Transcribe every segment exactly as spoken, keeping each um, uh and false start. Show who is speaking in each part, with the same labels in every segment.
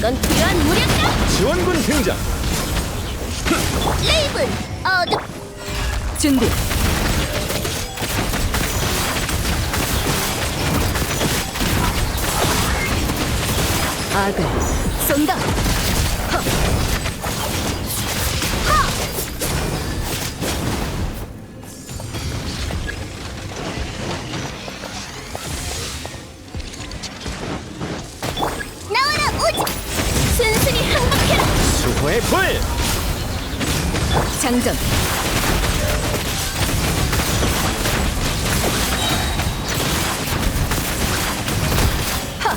Speaker 1: 이건 필요한 무력이다.
Speaker 2: 지원군 등장.
Speaker 1: 레이븐 어둠
Speaker 3: 준비. 악을 쏜다. 헉.
Speaker 1: 나와라 오지. 순순히 항복해라.
Speaker 2: 수호의 불.
Speaker 3: 장전. 하.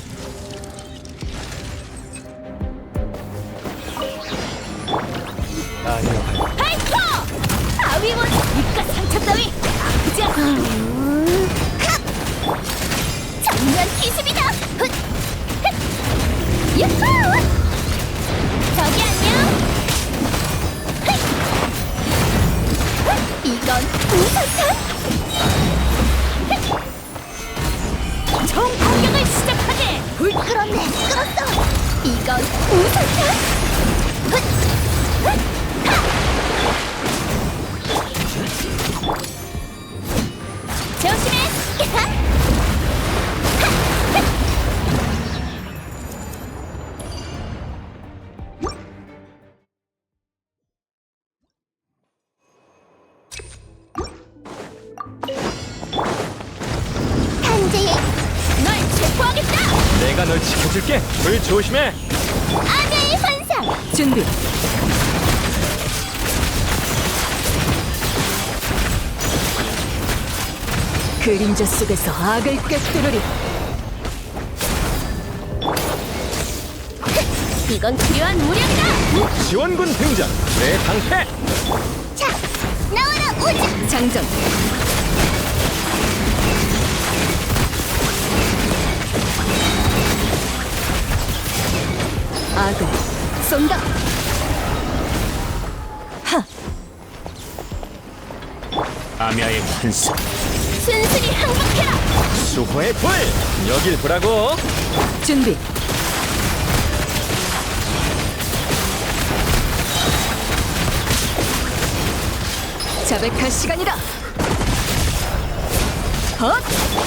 Speaker 2: 아니요.
Speaker 1: 파이터! 바위원 입가 상처 따위 아프지 않아. 정면 기습이다. 훗! 훗! 유후! 저기 안녕. 훗! 훗! 이건 우선탄. 총 공격을 시작하게. 불 끌었네. 끌었어. 이건 우선탄. 훗! 훗! 조심해! 탄재에 널 체포하겠다!
Speaker 2: 내가 널 지켜줄게. 불 조심해.
Speaker 1: 아내의 환상!
Speaker 3: 준비. 그림자 속에서 악을 꿰뚫으리.
Speaker 1: 이건 필요한 무력이다!
Speaker 2: 지원군 등장. 내 방패.
Speaker 1: 자, 나와라 오지!
Speaker 3: 장전. 악을 쏜다. 하.
Speaker 2: 아미아의 환상.
Speaker 1: 순순히 항복해라!
Speaker 2: 수호의 불. 여길 보라고.
Speaker 3: 준비. 자백할 시간이다. 헛!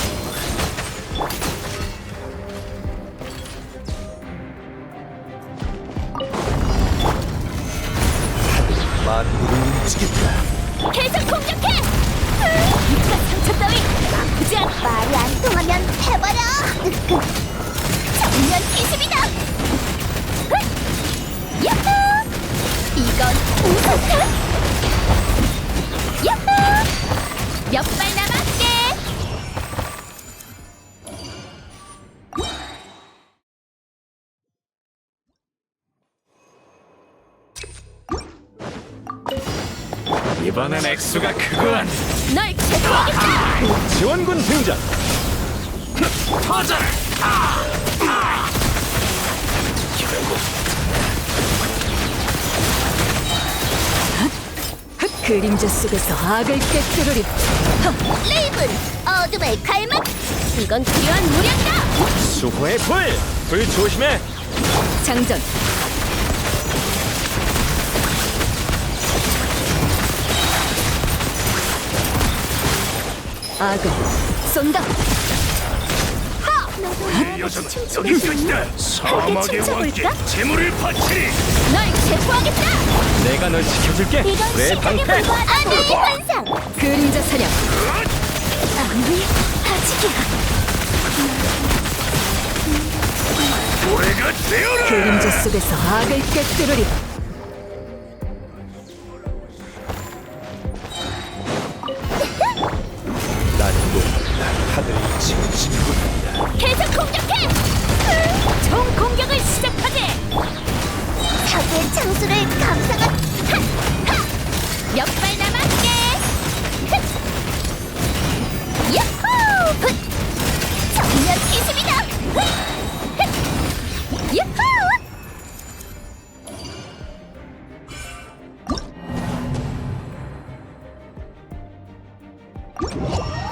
Speaker 2: 만물을 움직인다.
Speaker 1: 계속 공격해! 입가 상처 따위 아프지 않아! 말이 안 통하면 해버려! 정면 기습이다! 야호! 이건 우선탄! 야호! 몇 발 남았게!
Speaker 2: 이번엔 액수가 크군.
Speaker 1: 널 체포하겠다!
Speaker 2: 지원군 등장. 터져라.
Speaker 3: 그림자 속에서 악을 꿰뚫으리.
Speaker 1: 레이븐 어둠의 갈망! 이건 필요한 무력이다!
Speaker 2: 수호의 불. 불 조심해.
Speaker 3: 장전. 악을 쏜다.
Speaker 2: 이 여자는 여기까지다. 사막의 왕께 재물을 바치리.
Speaker 1: 널 체포하겠다!
Speaker 2: 내가 널 지켜줄게.
Speaker 1: 이건
Speaker 2: 내
Speaker 1: 시작에
Speaker 2: 방패.
Speaker 1: 불과한 아내의 환상!
Speaker 3: 그림자 사냥.
Speaker 1: 아무리 아직이야.
Speaker 2: 노래가 되어라.
Speaker 3: 그림자 속에서 악을 꿰뚫으리.
Speaker 2: 나는 몰라. 하늘이 지어지는구나.
Speaker 1: 계속 공격해! 총 공격을 시작하게! 사고의 창수를 감상한 몇 발 남았게! 야호! 정면 기습이다! 야호!
Speaker 2: 아